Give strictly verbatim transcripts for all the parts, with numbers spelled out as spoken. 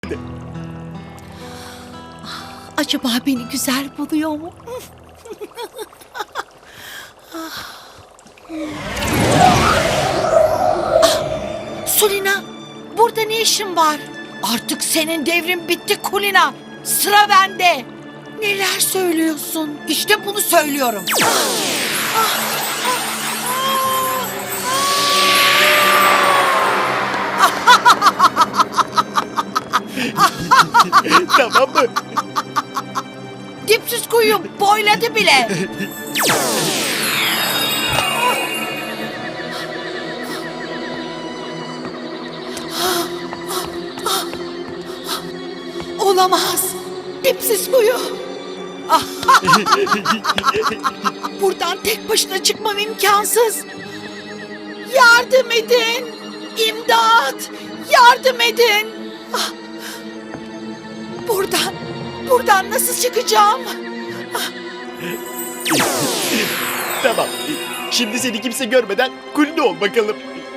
Acaba beni güzel buluyor mu? Ah, Sulina, burada ne işin var? Artık senin devrin bitti Kulina. Sıra bende. Neler söylüyorsun? İşte bunu söylüyorum. Tamam mı? Dipsiz kuyu boyladı bile. Olamaz. Dipsiz kuyu. Buradan tek başına çıkmam imkansız. Yardım edin. İmdat. Yardım edin. Ah. Buradan, buradan nasıl çıkacağım? Tamam. Şimdi seni kimse görmeden kulüne ol bakalım.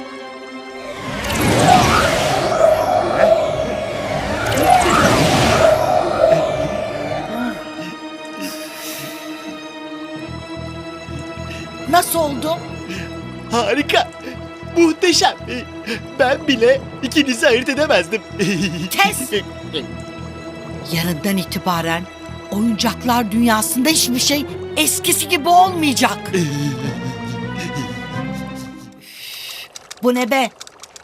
Nasıl oldu? Harika. Muhteşem. Ben bile ikinizi ayırt edemezdim. Kes! Yarından itibaren oyuncaklar dünyasında hiçbir şey eskisi gibi olmayacak. Bu ne be?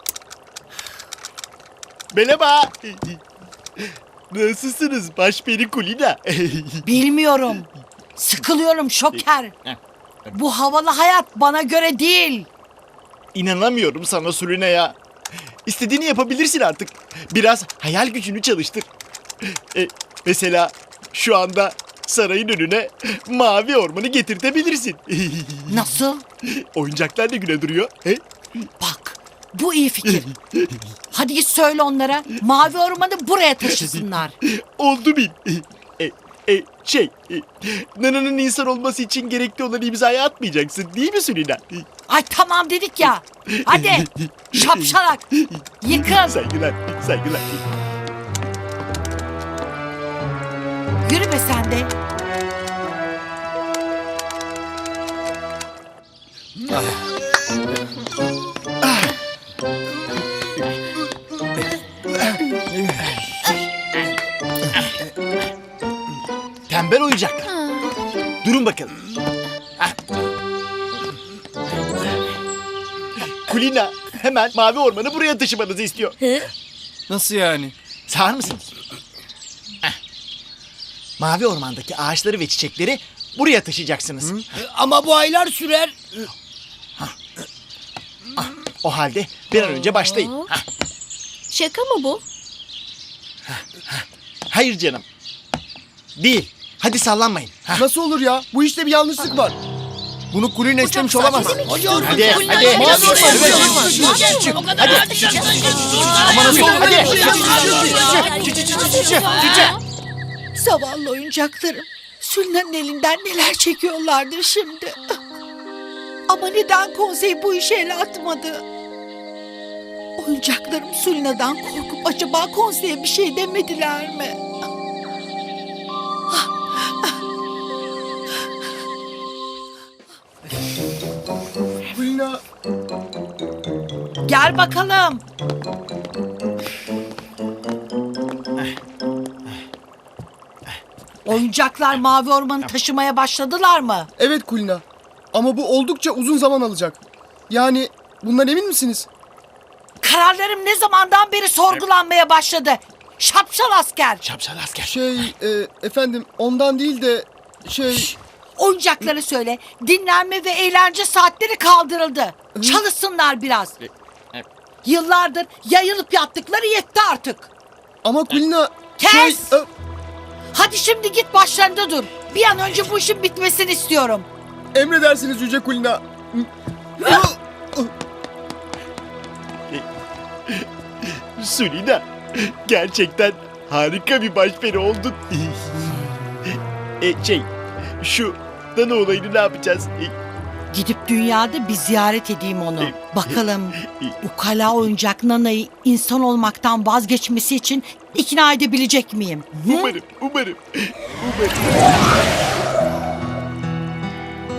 Merhaba. Nasılsınız başperi Kulina? Bilmiyorum. Sıkılıyorum Şoker. Bu havalı hayat bana göre değil. İnanamıyorum sana Sulina ya. İstediğini yapabilirsin artık. Biraz hayal gücünü çalıştır. E, mesela şu anda sarayın önüne mavi ormanı getirtebilirsin. Nasıl? Oyuncaklar ne güne duruyor? He? Bak, bu iyi fikir. Hadi git söyle onlara. Mavi ormanı buraya taşısınlar. Oldu bil. E, e, şey, e, Nana'nın insan olması için gerekli olan imzayı atmayacaksın değil mi Sulina? Ay tamam dedik ya. Hadi şapşalak. Yıkın. Saygılar, saygılar. Yürü be sen de. Tembel oyuncaklar. Durun bakalım. Hah. Kulina hemen mavi ormanı buraya taşımanızı istiyor. Nasıl yani? Sağır mısınız? Heh. Mavi ormandaki ağaçları ve çiçekleri buraya taşıyacaksınız. Ama bu aylar sürer. O halde bir an önce başlayın. Hah. Şaka mı bu? Hayır canım. Değil. Hadi sallanmayın. Hah. Nasıl olur ya? Bu işte bir yanlışlık var. Bunu Kulina istemiş olamaz. Hadi, hadi. Hadi. Mavi Hadi. orman. Ama nasıl olur? Hadi. Zavallı oyuncaklarım. Sülna'nın elinden neler çekiyorlardır şimdi. Ama neden konsey bu işe el atmadı? Oyuncaklarım Sülna'dan korkup acaba konseye bir şey demediler mi? Kulina. Gel bakalım. Oyuncaklar mavi ormanı taşımaya başladılar mı? Evet Kulina. Ama bu oldukça uzun zaman alacak. Yani bundan emin misiniz? Kararlarım ne zamandan beri sorgulanmaya başladı. Şapşal asker. Şapşal asker. Şey e, efendim ondan değil de şey... Oyuncakları söyle. Dinlenme ve eğlence saatleri kaldırıldı. Çalışsınlar biraz. Yıllardır yayılıp yattıkları yetti artık. Ama Kulina... Kes! Şey, e, Hadi şimdi git başlarında dur. Bir an önce bu işin bitmesini istiyorum. emredersiniz Yüce Kulina. Sulina, gerçekten harika bir başperi oldun. e, şey, şu Nana olayını ne yapacağız? E, Gidip dünyada bir ziyaret edeyim onu. Bakalım ukala oyuncak Nana'yı insan olmaktan vazgeçmesi için ikna edebilecek miyim? Hı? Umarım, umarım, umarım.